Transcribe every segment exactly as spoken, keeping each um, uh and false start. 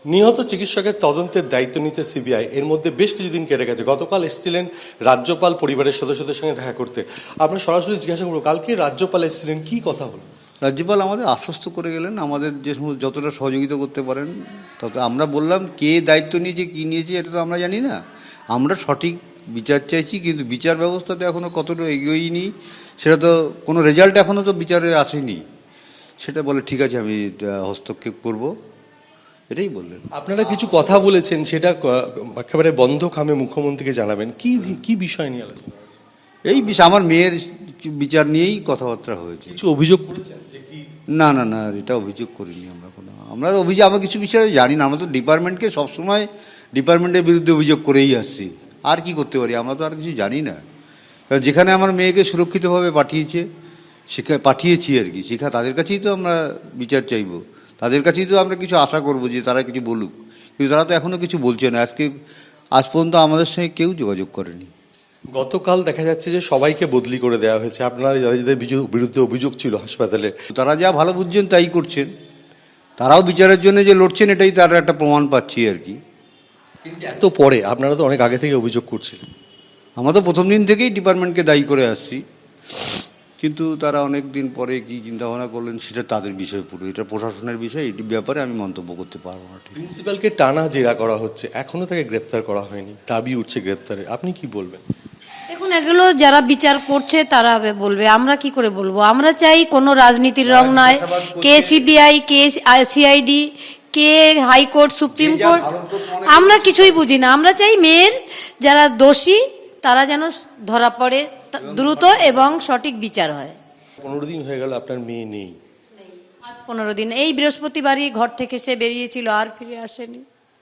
নিহত চিকিৎসকের তদন্তের দায়িত্ব নিচ্ছে সিবিআই। এর মধ্যে বেশ কিছুদিন কেটে গেছে। গতকাল এসেছিলেন রাজ্যপাল পরিবারের সদস্যদের সঙ্গে দেখা করতে। আমরা সরাসরি জিজ্ঞাসা করবো, কালকে রাজ্যপাল এসেছিলেন, কি কথা হলো? রাজ্যপাল আমাদের আশ্বস্ত করে গেলেন, আমাদের যে সমস্ত যতটা সহযোগিতা করতে পারেন তত। আমরা বললাম কে দায়িত্ব নিয়েছে কী নিয়েছে এটা তো আমরা জানি না, আমরা সঠিক বিচার চাইছি, কিন্তু বিচার ব্যবস্থাতে এখনও কতটা এগোয়নি সেটা তো, কোনো রেজাল্ট এখনও তো বিচারে আসেনি। সেটা বলে ঠিক আছে আমি হস্তক্ষেপ করব, এটাই বললেন। আপনারা কিছু কথা বলেছেন, সেটা একেবারে বন্ধ খামে মুখ্যমন্ত্রীকে জানাবেন। কি কি বিষয় নিয়ে আলোচনা? এই বিষয় আমার মেয়ের বিচার নিয়েই কথাবার্তা হয়েছে। কিছু অভিযোগ করেছেন যে কি? না না না, এটা অভিযোগ করিনি আমরা কোনো। আমরা অভিযোগ, আমরা কিছু বিষয়ে জানি না। আমরা তো ডিপার্টমেন্টকে সবসময় ডিপার্টমেন্টের বিরুদ্ধে অভিযোগ করেই আসছি। আর কি করতে পারি, আমরা তো আর কিছু জানি না। কারণ যেখানে আমার মেয়েকে সুরক্ষিতভাবে পাঠিয়েছে, সেখানে পাঠিয়েছি আর কি, সেখানে তাদের কাছেই তো আমরা বিচার চাইব, তাদের কাছেই তো আমরা কিছু আশা করব যে তারা কিছু বলুক। কিন্তু তারা তো এখনও কিছু বলছে না। আজকে আজ পর্যন্ত আমাদের সঙ্গে কেউ যোগাযোগ করেনি। গতকাল দেখা যাচ্ছে যে সবাইকে বদলি করে দেওয়া হয়েছে, আপনারা যাদের যাদের বিরুদ্ধে অভিযোগ ছিল হাসপাতালে। তারা যা ভালো বুঝছেন তাই করছেন, তারাও বিচারের জন্য যে লড়ছেন এটাই তার একটা প্রমাণ পাচ্ছি আর কি। কিন্তু এত পরে আপনারা তো অনেক আগে থেকে অভিযোগ করছিলেন। আমরা তো প্রথম দিন থেকেই ডিপার্টমেন্টকে দায়ী করে আসছি, কিন্তু তারা অনেক দিন পরে কী চিন্তাভাবনা করলেন সেটা তাদের বিষয়, পুরো এটা প্রশাসনের বিষয়। এই ব্যাপারে আমি মন্তব্য করতে পারবো না। প্রিন্সিপালকে টানা জেরা করা হচ্ছে, এখনো তাকে গ্রেপ্তার করা হয়নি, দাবি উঠছে গ্রেপ্তারের। আপনি কি বলবেন? দেখুন, এগুলো যারা বিচার করছে তারা বলবে, আমরা কি করে বলবো? আমরা চাই কোনো রাজনীতির রং নয়, কে সিবিআই, কে সিআইডি, কে হাইকোর্ট, সুপ্রিম কোর্ট, আমরা কিছুই বুঝি না। আমরা চাই মেয়ের যারা দোষী তারা যেন ধরা পড়ে দ্রুত এবং সঠিক বিচার হয়। পনেরো দিন হয়ে গেল আপনার মেয়ে নেই। আজ পনেরো দিন, এই বৃহস্পতিবারই ঘর থেকে সে বেরিয়েছিল, আর ফিরে আসেনি।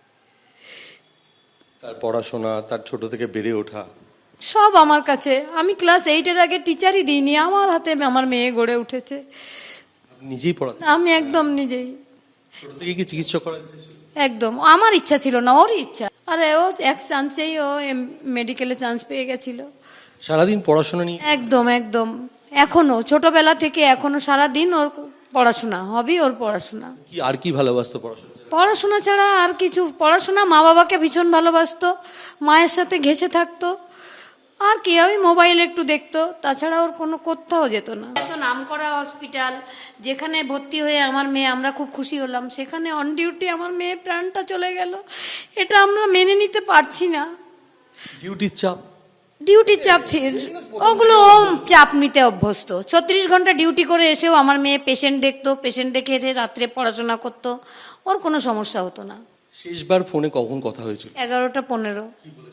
তার পড়াশোনা, তার ছোট থেকে বেড়ে ওঠা সব আমার কাছে। আমি ক্লাস এইটের আগে টিচারই দিইনি, আমার হাতে আমার মেয়ে গড়ে উঠেছে। নিজেই পড়াতে? আমি একদম নিজেই। ছোট থেকে কি চিকিৎসা করার ইচ্ছা ছিল? একদম আমার ইচ্ছা ছিল না, ওরই ইচ্ছা। আরে ও এক চান্সেই ও মেডিকেলে চান্স পেয়ে গেছিল। সারাদিন পড়াশোনা নিয়ে? একদম একদম, এখনো ছোটবেলা থেকে এখনো সারাদিন ওর পড়াশোনা, হবি ওর পড়াশোনা। কি আর কি ভালোবাসতো পড়াশোনা? পড়াশোনা ছাড়া আর কিছু, পড়াশোনা, মা বাবাকে ভীষণ ভালোবাসতো, মায়ের সাথে ঘেঁষে থাকতো, আর কি ওই মোবাইল একটু দেখতো, তাছাড়া ওর কোনো কোথাও যেত না। এত নামকরা হসপিটাল যেখানে ভর্তি হয়ে আমার মেয়ে, আমরা খুব খুশি হলাম, সেখানে অন ডিউটি আমার মেয়ে প্রাণটা চলে গেল। এটা আমরা মেনে নিতে পারছি না। ডিউটির চাপ? ডিউটির চাপ ছিল, ওগুলো ও চাপ নিতে অভ্যস্ত। ছত্রিশ ঘন্টা ডিউটি করে এসেও আমার মেয়ে পেশেন্ট দেখতো, পেশেন্ট দেখে এসে রাত্রে পড়াশোনা করতো, ওর কোনো সমস্যা হতো না। শেষবার ফোনে কখন কথা হয়েছিল? এগারোটা পনেরো।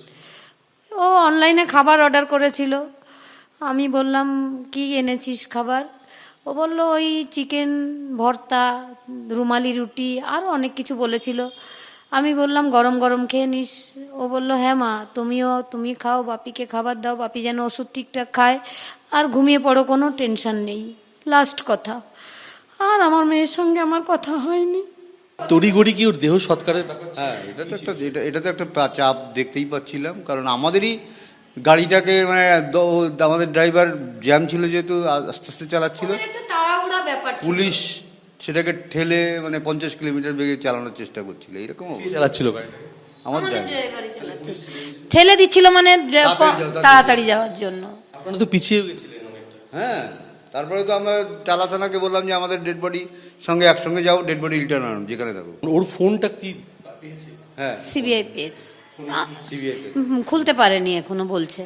ও অনলাইনে খাবার অর্ডার করেছিল। আমি বললাম কি এনেছিস খাবার? ও বললো ওই চিকেন ভর্তা, রুমালি রুটি, আরও অনেক কিছু বলেছিল। আমি বললাম গরম গরম খেয়ে নিস। ও বললো হ্যাঁ মা, তুমিও তুমি খাও, বাপিকে খাবার দাও, বাপি যেন ওষুধ ঠিকঠাক খায়, আর ঘুমিয়ে পড়ো, কোনো টেনশন নেই। লাস্ট কথা। আর আমার মেয়ের সঙ্গে আমার কথা হয়নি। তড়িঘড়ি কি ওর দেহ সৎকারের ব্যাপার? হ্যাঁ, এটা তো একটা, এটা এটা তো একটা চাপ দেখতেই পাচ্ছিলাম, কারণ আমাদেরই গাড়িটাকে মানে আমাদের ড্রাইভার জ্যাম ছিল যেহেতু আস্তে আস্তে চালাচ্ছিল, তাড়াহুড়া ব্যাপার, পুলিশ সেটাকে ঠেলে মানে পঞ্চাশ কিলোমিটার বেগে চালানোর চেষ্টা করছিল। এরকম চালাচ্ছিল গাড়ি? আমার ড্রাইভারই চালাচ্ছে, ঠেলে দিচ্ছিল মানে তাড়াতাড়ি যাওয়ার জন্য। আপনারা তো পিছিয়ে গেছিলেন অনেকটা। হ্যাঁ, তারপরে তো আমরা টালা থানাকে বললাম যে আমাদের ডেড বডি সঙ্গে একসঙ্গে যাও, ডেড বডি রিটার্ন আনুন যেখানে থাকো। ওর ফোনটা কি পেয়েছে? হ্যাঁ, সিবিআই পেয়েছে, সিবিআই খুলতে পারেনি এখনো বলছে।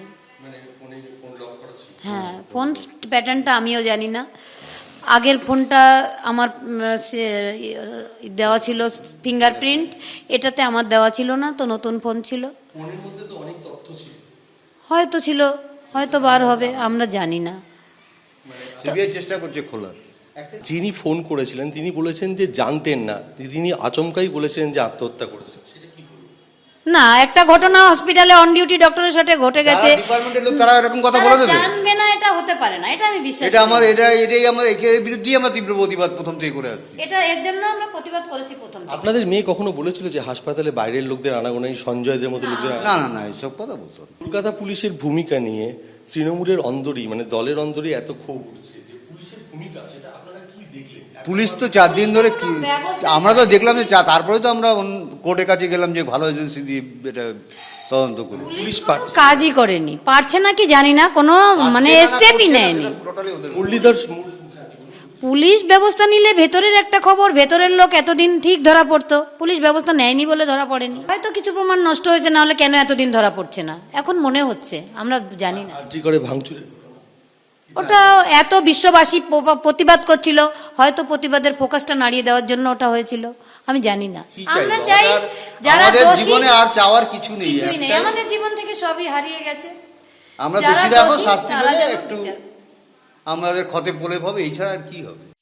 হ্যাঁ, ফোন প্যাটার্নটা আমিও জানি না। আগের ফোনটা আমার দেওয়া ছিল ফিঙ্গারপ্রিন্ট, এটাতে আমার দেওয়া ছিল না, তো নতুন ফোন ছিল। ফোনের মধ্যে তো অনেক তথ্য ছিল, হয়তো ছিল, হয়তো বার হবে, আমরা জানি না। সিবিআই চেষ্টা করছে খোলার। যিনি ফোন করেছিলেন তিনি বলেছেন যে জানতেন না, তিনি আচমকাই বলেছেন যে আত্মহত্যা করেছেন। না, একটা ঘটনা হসপিটালে অন ডিউটি ডক্টরের সাথে ঘটে গেছে, ডিপার্টমেন্টের লোক তারা এরকম কথা বলে দেবে? জানবে না, এটা হতে পারে না, এটা আমি বিশ্বাস এটা আমার এটা এটাই আমার এর বিরুদ্ধেই আমরা তীব্র প্রতিবাদ প্রথম থেকে করে আসছি। এটা এর জন্য আমরা প্রতিবাদ করেছি প্রথম থেকে। আপনাদের মেয়ে কখনো বলেছিল যে হাসপাতালে বাইরের লোকদের আনাগোনাই, সঞ্জয়দের মতো লোকদের? না না না, এইসব কথা বলতো না। কলকাতা পুলিশের ভূমিকা নিয়ে তৃণমূলের অন্দরই, মানে দলের অন্দরই এত ক্ষোভ উঠছে যে পুলিশের ভূমিকা, সেটা আপনারা কি দেখলেন? পুলিশ তো চার দিন ধরে কি- আমরা তো দেখলাম যে চা- তারপরে তো আমরা অন্য- কোর্টের কাছে গেলাম যে ভালো এজেন্সি দিয়ে এটা তদন্ত করুন। পুলিশ পারছে কাজই করেনি, পারছে না কি জানি না, কোনো মানে স্টেপই নেয়নি। মুরলীধর পুলিশ ব্যবস্থা নিলে ভেতরের একটা খবর, ভেতরের লোক এতদিন ঠিক ধরা পড়তো, পুলিশ ব্যবস্থা নেয়নি বলে ধরা পড়েনি। হয়তো কিছু প্রমাণ নষ্ট হয়েছে, না হলে কেন এতদিন ধরা পড়ছে না এখন মনে হচ্ছে, আমরা জানি না। আরজি করে ভাঙচুরের ওটা এত বিশ্ববাসী প- প্রতিবাদ করছিল, হয়তো প্রতিবাদের ফোকাসটা নাড়িয়ে দেওয়ার জন্য ওটা হয়েছিল, আমি জানি না। কি আমরা চাইবো? চাই আমাদের- যারা আমাদের দোষী, জীবনে আর চাওয়ার কিছু নেই, কিছুই নেই, একটাই- আমাদের জীবন থেকে সবই হারিয়ে গেছে। আমরা যারা দোষীরা এখন দোষী, শাস্তি তারা পেলে যেন একটু বিচার- আমাদের ক্ষতে বলে হবে, এই ছাড়া আর কি হবে।